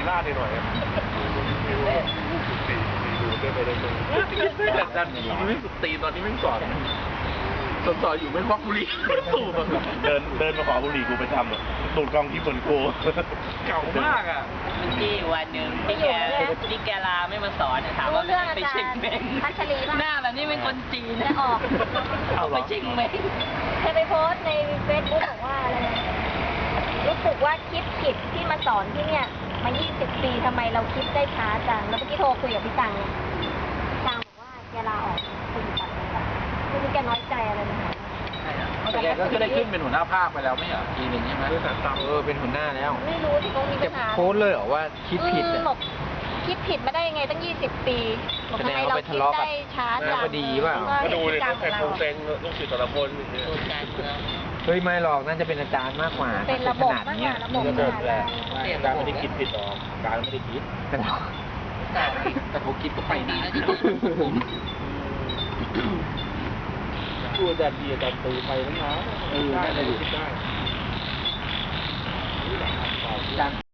ลาดหน่อยดูเดินไปเลยแต่ดันนี้ไม่สุดตีตอนนี้ไม่สอนสอนอยู่ไม่ควักบุหรี่สูบเดินมาขอบุหรี่กูไปทำตูดกองที่บนโกเก่ามากอ่ะที่วันหนึ่งที่แกลาไม่มาสอนถามว่าไปเช็คเม้งหน้าแบบนี้เป็นคนจีนนะออกเอาไปเช็คเม้งเธอไปโพสต์ในเฟซบุ๊กบอกว่าอะไรนะรู้สึกว่าคิดผิดที่มาสอนที่เนี่ยมา 20 ปีทำไมเราคิดได้ช้าจังแล้วเมื่อกี้โทรคุยกับพี่ตังเนี่ยพี่ตังบอกว่าแกลาออกคุณตัดเลยไม่รู้แกน้อยใจอะไรไหมคะแต่แกก็คือได้ขึ้นเป็นหัวหน้าภาคไปแล้วไม่เหรอทีหนึ่งใช่ไหมเป็นหัวหน้าแล้วไม่รู้ที่เขามีปัญหาโพสต์เลยเหรอว่าคิดผิดอ่ะบอกคิดผิดมาได้ยังไงตั้ง 20 ปีบอกทำไมเราคิดได้ช้าจังก็ดีเปล่าก็ดูเลยใครคงเซ็งลูกศิษย์แต่ละคนเฮ้ยไม่หรอกน่าจะเป็นอาจารย์มากกว่าเป็นระบบมากกเนี้ว่าย ระบบระบบแหละอาจารย์ไม่ได้คิดผิดหรอกอาจารย์ไม่ได้คิดแต่เขาคิดก็ไปนะดูอาจารย์ดีอาจารย์ตูไปแล้วนะได้เลยคิดได้